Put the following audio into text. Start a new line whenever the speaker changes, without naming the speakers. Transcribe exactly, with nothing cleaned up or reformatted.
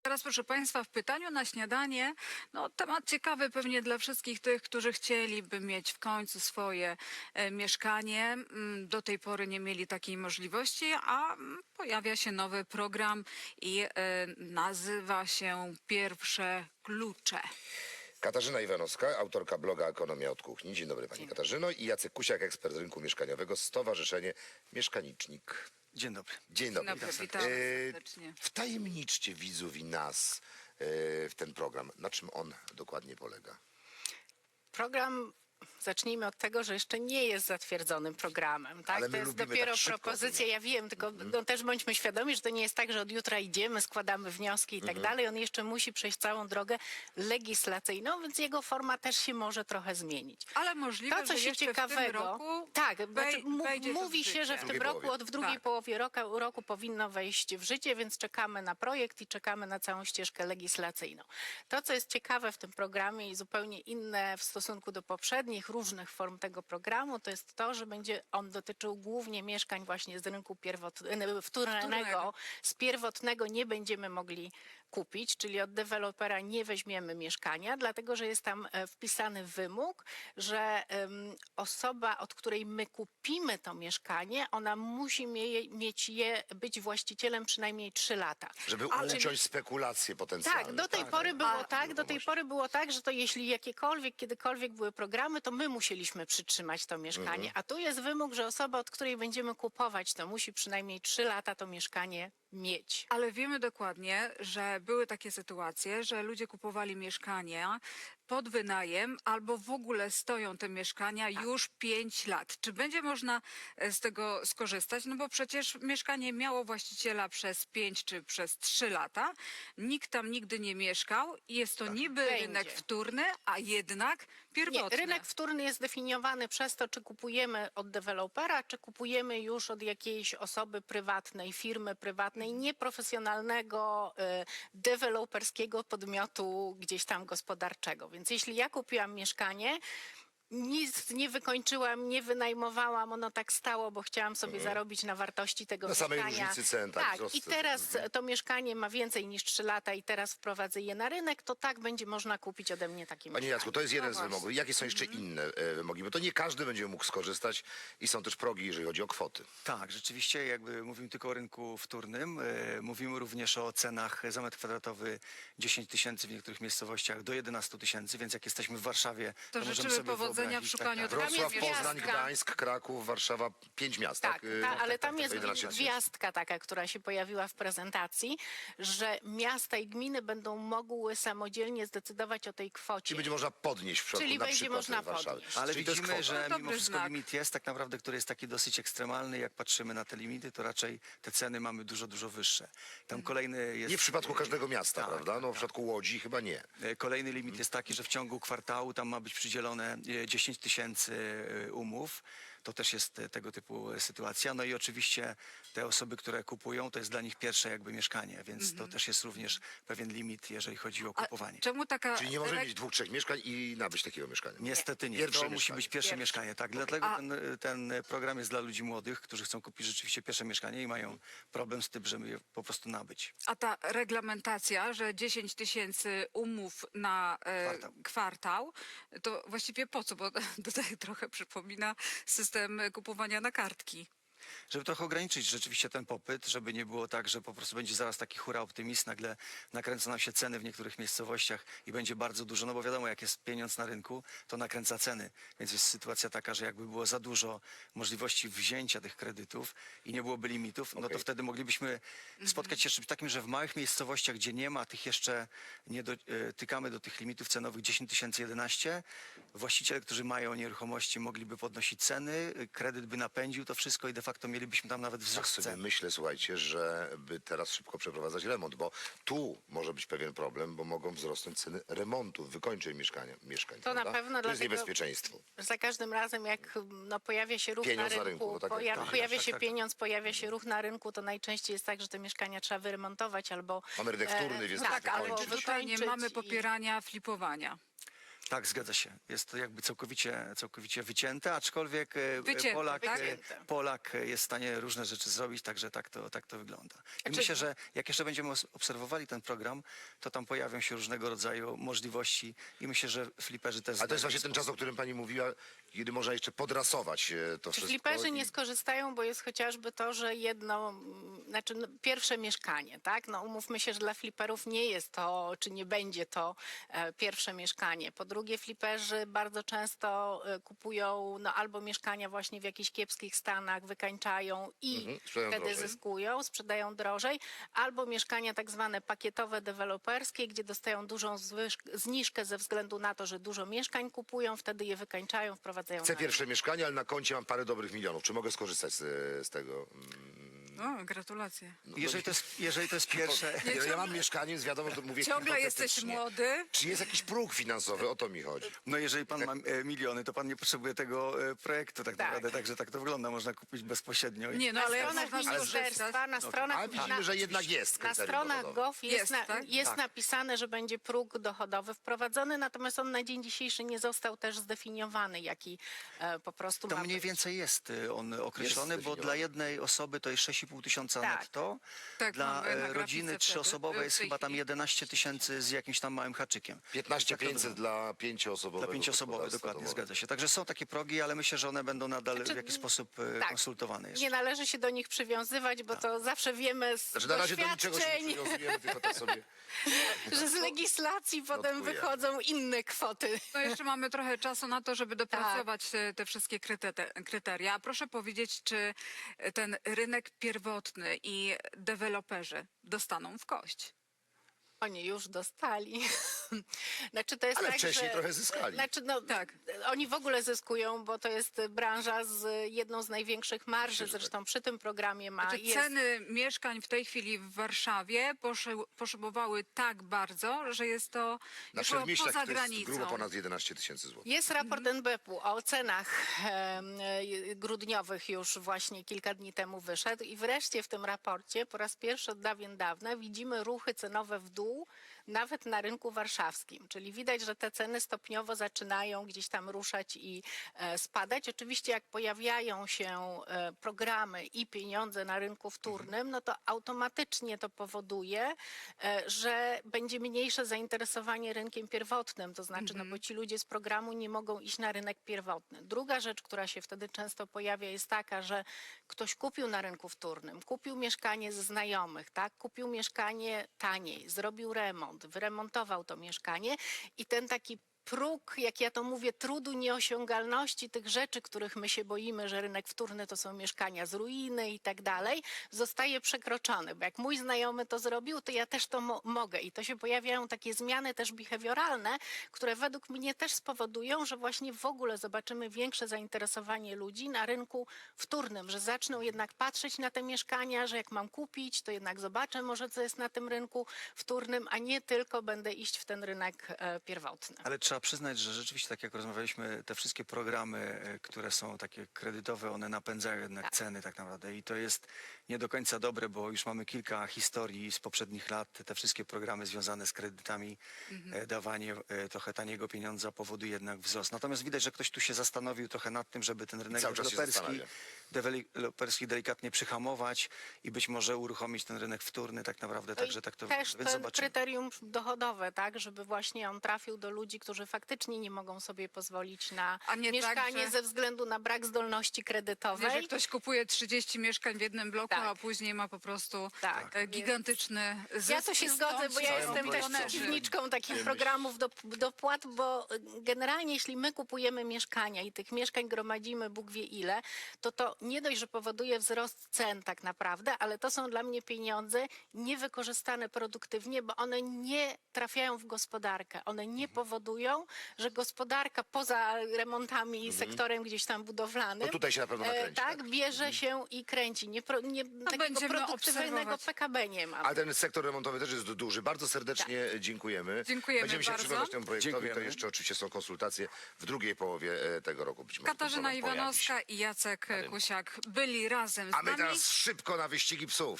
Teraz, proszę Państwa, w pytaniu na śniadanie, no temat ciekawy pewnie dla wszystkich tych, którzy chcieliby mieć w końcu swoje e, mieszkanie. Mm, Do tej pory nie mieli takiej możliwości, a mm, pojawia się nowy program i e, nazywa się Pierwsze Klucze.
Katarzyna Iwanowska, autorka bloga Ekonomia od Kuchni. Dzień dobry Pani Katarzyno. I Jacek Kusiak, ekspert rynku mieszkaniowego, Stowarzyszenie Mieszkanicznik.
Dzień dobry.
Dzień dobry.
Dzień dobry, witamy
E,
serdecznie.
Wtajemniczcie widzów i nas e, w ten program. Na czym on dokładnie polega?
Program, zacznijmy od tego, że jeszcze nie jest zatwierdzonym programem. Tak?
Ale my
To jest
lubimy
dopiero
tak szybko
propozycja,
to
ja wiem, tylko no, też bądźmy świadomi, że to nie jest tak, że od jutra idziemy, składamy wnioski i tak dalej. On jeszcze musi przejść całą drogę legislacyjną, więc jego forma też się może trochę zmienić.
Ale możliwe,
To, co
że
się
jeszcze
ciekawego,
w tym roku
tak,
wej-
znaczy, mu-
wejdzie to w
mówi się,
życie.
że w
W
tym
drugiej
roku,
połowie.
od w drugiej
Tak.
połowie roku, roku powinno wejść w życie, więc czekamy na projekt i czekamy na całą ścieżkę legislacyjną. To, co jest ciekawe w tym programie i zupełnie inne w stosunku do poprzednich różnych form tego programu, to jest to, że będzie on dotyczył głównie mieszkań właśnie z rynku pierwotnego, wtórnego.
Wtórnego.
Z pierwotnego nie będziemy mogli kupić, czyli od dewelopera nie weźmiemy mieszkania, dlatego że jest tam e, wpisany wymóg, że em, osoba, od której my kupimy to mieszkanie, ona musi mie mieć je, być właścicielem przynajmniej trzy lata.
Żeby
Ale-
uciąć spekulacje potencjalne.
Tak, do tej
Tak,
pory
tak.
było
A-
tak, do tej pory było tak, że to jeśli jakiekolwiek, kiedykolwiek były programy, to my musieliśmy przytrzymać to mieszkanie. A tu jest wymóg, że osoba, od której będziemy kupować, to musi przynajmniej trzy lata to mieszkanie mieć.
Ale wiemy dokładnie, że były takie sytuacje, że ludzie kupowali mieszkania pod wynajem albo w ogóle stoją te mieszkania już pięć lat. Czy będzie można e, z tego skorzystać? No bo przecież mieszkanie miało właściciela przez pięć czy przez trzy lata. Nikt tam nigdy nie mieszkał i jest to niby
Będzie.
rynek wtórny, a jednak pierwotny.
Nie, rynek wtórny jest definiowany przez to, czy kupujemy od dewelopera, czy kupujemy już od jakiejś osoby prywatnej, firmy prywatnej, nieprofesjonalnego, y, deweloperskiego podmiotu gdzieś tam gospodarczego. Więc jeśli ja kupiłam mieszkanie, nic nie wykończyłam, nie wynajmowałam, ono tak stało, bo chciałam sobie zarobić na wartości tego
Na samej
mieszkania.
różnicy cen, tak,
tak.
wzrost
I
cen.
teraz to mieszkanie ma więcej niż trzy lata i teraz wprowadzę je na rynek, to tak będzie można kupić ode mnie takie
Panie
mieszkanie.
Jacku, to jest jeden
No
z
właśnie.
wymogów. Jakie są jeszcze inne e, wymogi? Bo to nie każdy będzie mógł skorzystać i są też progi, jeżeli chodzi o kwoty.
Tak, rzeczywiście jakby mówimy tylko o rynku wtórnym. E, mówimy również o cenach za metr kwadratowy dziesięć tysięcy, w niektórych miejscowościach do jedenastu tysięcy, więc jak jesteśmy w Warszawie,
To
możemy
życzymy
sobie
powodzenia
wyobrazić,
w szukaniu
tak,
Tam
tak.
Wrocław,
jest
Poznań,
gwiazdka.
Gdańsk, Kraków, Warszawa, pięć miast,
Tak,
tak?
ta,
E,
ale tam
tak,
jest
jedenaście tysięcy.
gwiazdka taka, która się pojawiła w prezentacji, że miasta i gminy będą mogły samodzielnie zdecydować o tej kwocie.
Czyli będzie można podnieść w przypadku
Czyli
na
będzie
przykład
można
Warszawy.
podnieść.
Ale
Czyli to jest
widzimy,
kwota.
że
To
mimo
dobry
wszystko
znak.
limit jest tak naprawdę, który jest taki dosyć ekstremalny. Jak patrzymy na te limity, to raczej te ceny mamy dużo, dużo wyższe. Tam kolejny jest...
Nie w przypadku każdego miasta,
Tak,
prawda?
tak,
No w
tak.
przypadku Łodzi chyba nie.
E, Kolejny limit jest taki, że w ciągu kwartału tam ma być przydzielone e, dziesięć tysięcy e, umów. To też jest e, tego typu e, sytuacja. No i oczywiście te osoby, które kupują, to jest dla nich pierwsze jakby mieszkanie, więc to też jest również pewien limit, jeżeli chodzi o
A
kupowanie.
czemu taka...
Czyli nie możemy
rek-
mieć dwóch, trzech mieszkań i nabyć takiego mieszkania.
Niestety nie.
Pierwsze
to musi
mieszkanie.
być pierwsze
Pierwsze.
mieszkanie. Tak, dlatego
A-
ten, ten program jest dla ludzi młodych, którzy chcą kupić rzeczywiście pierwsze mieszkanie i mają problem z tym, żeby je po prostu nabyć.
A ta reglamentacja, że dziesięć tysięcy umów na e,
Kwartał.
kwartał, to właściwie po co? Bo tutaj trochę przypomina system kupowania na kartki.
Żeby trochę ograniczyć rzeczywiście ten popyt, żeby nie było tak, że po prostu będzie zaraz taki hura optymizm, nagle nakręcą nam się ceny w niektórych miejscowościach i będzie bardzo dużo, no bo wiadomo, jak jest pieniądz na rynku, to nakręca ceny, więc jest sytuacja taka, że jakby było za dużo możliwości wzięcia tych kredytów i nie byłoby limitów, no to
Okej.
wtedy moglibyśmy spotkać się z czymś takim, że w małych miejscowościach, gdzie nie ma tych jeszcze, nie dotykamy do tych limitów cenowych dziesięć tysięcy, jedenaście, właściciele, którzy mają nieruchomości, mogliby podnosić ceny, kredyt by napędził to wszystko i de facto mielibyśmy tam nawet
Tak
wzrost
sobie
cen.
myślę, słuchajcie, żeby teraz szybko przeprowadzać remont, bo tu może być pewien problem, bo mogą wzrosnąć ceny remontów, wykończeń mieszkania, mieszkań.
To na
prawda?
pewno,
To jest
dlatego-
niebezpieczeństwo.
Za każdym razem, jak no, pojawia się ruch
Pieniądz
na
na
rynku,
rynku, tak,
poja
tak,
pojawia
tak,
się
tak.
pieniądz, pojawia się ruch na rynku, to najczęściej jest tak, że te mieszkania trzeba wyremontować albo...
Mamy rynek wtórny, więc
tak,
trzeba
albo
wykończyć.
Tutaj nie
wykończyć
mamy
i-
popierania flipowania.
Tak, zgadza się. Jest to jakby całkowicie, całkowicie wycięte, aczkolwiek e,
Wycięte,
Polak,
tak?
e,
Wycięte.
Polak jest w stanie różne rzeczy zrobić, także tak to, tak to wygląda. I
Znaczy-
myślę, że jak jeszcze będziemy os- obserwowali ten program, to tam pojawią się różnego rodzaju możliwości i myślę, że fliperzy też...
A to jest
znajdą
właśnie ten
sposób.
czas, o którym pani mówiła, kiedy można jeszcze podrasować e, to
Czy
wszystko.
fliperzy
i-
nie skorzystają, bo jest chociażby to, że jedno, mm, znaczy no, pierwsze mieszkanie, tak? No umówmy się, że dla fliperów nie jest to, czy nie będzie to e, pierwsze mieszkanie. Po drugie, fliperzy bardzo często e, kupują no, albo mieszkania właśnie w jakichś kiepskich stanach, wykańczają i
Mhm, sprzedają
wtedy
drożej.
zyskują, sprzedają drożej, albo mieszkania tak zwane pakietowe, deweloperskie, gdzie dostają dużą zwyż- zniżkę ze względu na to, że dużo mieszkań kupują, wtedy je wykańczają, wprowadzają
Chcę
na rynek.
pierwsze mieszkanie, ale na koncie mam parę dobrych milionów. Czy mogę skorzystać z, z tego? Mm,
O, gratulacje.
no,
Jeżeli to jest, jeżeli to jest pierwsze...
Ja, ja mam mieszkanie, więc wiadomo, że to mówię
Ciągle jesteś
hipotetycznie.
młody.
Czy jest jakiś próg finansowy? O to mi chodzi.
No jeżeli pan ma e, miliony, to pan nie potrzebuje tego e, projektu tak
Tak.
naprawdę, także tak to wygląda, można kupić bezpośrednio. i-
Nie, no
Na
ale jak
stronach
można
ministerstwa,
skorzystać?
na stronach,
Ale widzimy,
na,
że jednak jest
na
kryterium
stronach
dochodowe.
gov jest,
Jest,
na,
tak?
jest
Tak.
napisane, że będzie próg dochodowy wprowadzony, natomiast on na dzień dzisiejszy nie został też zdefiniowany, jaki e, po prostu
To
ma
mniej
być.
więcej jest y, on określony, bo
zdefiniowany.
dla jednej osoby to jest sześć i pół tysiąca
Tak.
netto.
Tak,
Dla
mamy na
e,
grafice
rodziny
wtedy,
trzyosobowej
w
jest
tej
chyba tam
chwili.
jedenaście tysięcy z jakimś tam małym haczykiem.
piętnaście
Tak to
pięćset
wygląda.
dla pięcioosobowego
Dla pięcioosobowej,
gospodarstwa
dokładnie,
domowego.
zgadza się. Także są takie progi, ale myślę, że one będą nadal
Znaczy,
w jakiś sposób e,
tak.
konsultowane jeszcze.
Nie należy się do nich przywiązywać, bo to zawsze wiemy z
Znaczy na razie do niczego się nie
doświadczeń,
przywiązujemy, tylko tak sobie...
że z legislacji potem
Notkuję.
wychodzą inne kwoty.
No jeszcze mamy trochę czasu na to, żeby dopracować te, te wszystkie kryte- kryteria. Proszę powiedzieć, czy ten rynek pierwotny i deweloperzy dostaną w kość?
Oni już dostali. Znaczy to jest
Ale
tak,
wcześniej
że,
trochę zyskali.
Znaczy no,
Tak.
Oni w ogóle zyskują, bo to jest branża z jedną z największych marży. Zresztą przy tym programie ma.
Czy
jest,
ceny mieszkań w tej chwili w Warszawie poszy, poszybowały tak bardzo, że jest to
Na
już było
Przedmieściach
poza
to jest
granicą?
grubo ponad jedenaście tysięcy złotych.
Jest raport N B P-u o cenach em, e, grudniowych już właśnie kilka dni temu wyszedł i wreszcie w tym raporcie po raz pierwszy od dawien dawna widzimy ruchy cenowe w dół, nawet na rynku warszawskim. Czyli widać, że te ceny stopniowo zaczynają gdzieś tam ruszać i e, spadać. Oczywiście jak pojawiają się e, programy i pieniądze na rynku wtórnym, no to automatycznie to powoduje, e, że będzie mniejsze zainteresowanie rynkiem pierwotnym. To znaczy, no bo ci ludzie z programu nie mogą iść na rynek pierwotny. Druga rzecz, która się wtedy często pojawia, jest taka, że ktoś kupił na rynku wtórnym, kupił mieszkanie ze znajomych, tak? Kupił mieszkanie taniej, zrobił remont, wyremontował to mieszkanie i ten taki próg, jak ja to mówię, trudu nieosiągalności tych rzeczy, których my się boimy, że rynek wtórny to są mieszkania z ruiny i tak dalej, zostaje przekroczony. Bo jak mój znajomy to zrobił, to ja też to mo- mogę. I to się pojawiają takie zmiany też behawioralne, które według mnie też spowodują, że właśnie w ogóle zobaczymy większe zainteresowanie ludzi na rynku wtórnym, że zaczną jednak patrzeć na te mieszkania, że jak mam kupić, to jednak zobaczę może, co jest na tym rynku wtórnym, a nie tylko będę iść w ten rynek e, pierwotny.
Ale trzeba przyznać, że rzeczywiście, tak jak rozmawialiśmy, te wszystkie programy, e, które są takie kredytowe, one napędzają jednak ceny tak naprawdę i to jest nie do końca dobre, bo już mamy kilka historii z poprzednich lat. Te wszystkie programy związane z kredytami, e, dawanie e, trochę taniego pieniądza powoduje jednak wzrost. Natomiast widać, że ktoś tu się zastanowił trochę nad tym, żeby ten rynek
cały czas się
deweloperski,
zastanawia.
deweloperski delikatnie przyhamować i być może uruchomić ten rynek wtórny tak naprawdę,
No i
także tak to
też
więc
ten
zobaczymy.
kryterium dochodowe, tak, żeby właśnie on trafił do ludzi, którzy faktycznie nie mogą sobie pozwolić na
A nie tak,
mieszkanie
że-
ze względu na brak zdolności
Wie,
kredytowej.
że ktoś kupuje trzydzieści mieszkań w jednym bloku,
Tak.
a później ma po prostu
Tak.
e, gigantyczny zysk.
Ja to się zgodzę, bo ja
Całe
jestem też
milionerzy.
przeciwniczką takich programów do, dopłat, bo generalnie jeśli my kupujemy mieszkania i tych mieszkań gromadzimy Bóg wie ile, to to nie dość, że powoduje wzrost cen tak naprawdę, ale to są dla mnie pieniądze niewykorzystane produktywnie, bo one nie trafiają w gospodarkę. One nie powodują, że gospodarka poza remontami i sektorem gdzieś tam budowlanym
No tutaj się na pewno
e,
nakręci.
tak,
Tak?
bierze się i kręci. Nie, pro, nie, takiego
będziemy
produktywnego
obserwować.
P K B nie ma.
Ale ten sektor remontowy też jest duży. Bardzo serdecznie dziękujemy.
Dziękujemy
Będziemy się
bardzo.
przyglądać temu projektowi.
Dziękujemy.
To jeszcze oczywiście są konsultacje w drugiej połowie e, tego roku. Być może ten
Katarzyna
program pojawi się.
Iwanowska i Jacek Kusiak byli razem z
A my
nami.
teraz szybko na wyścigi psów.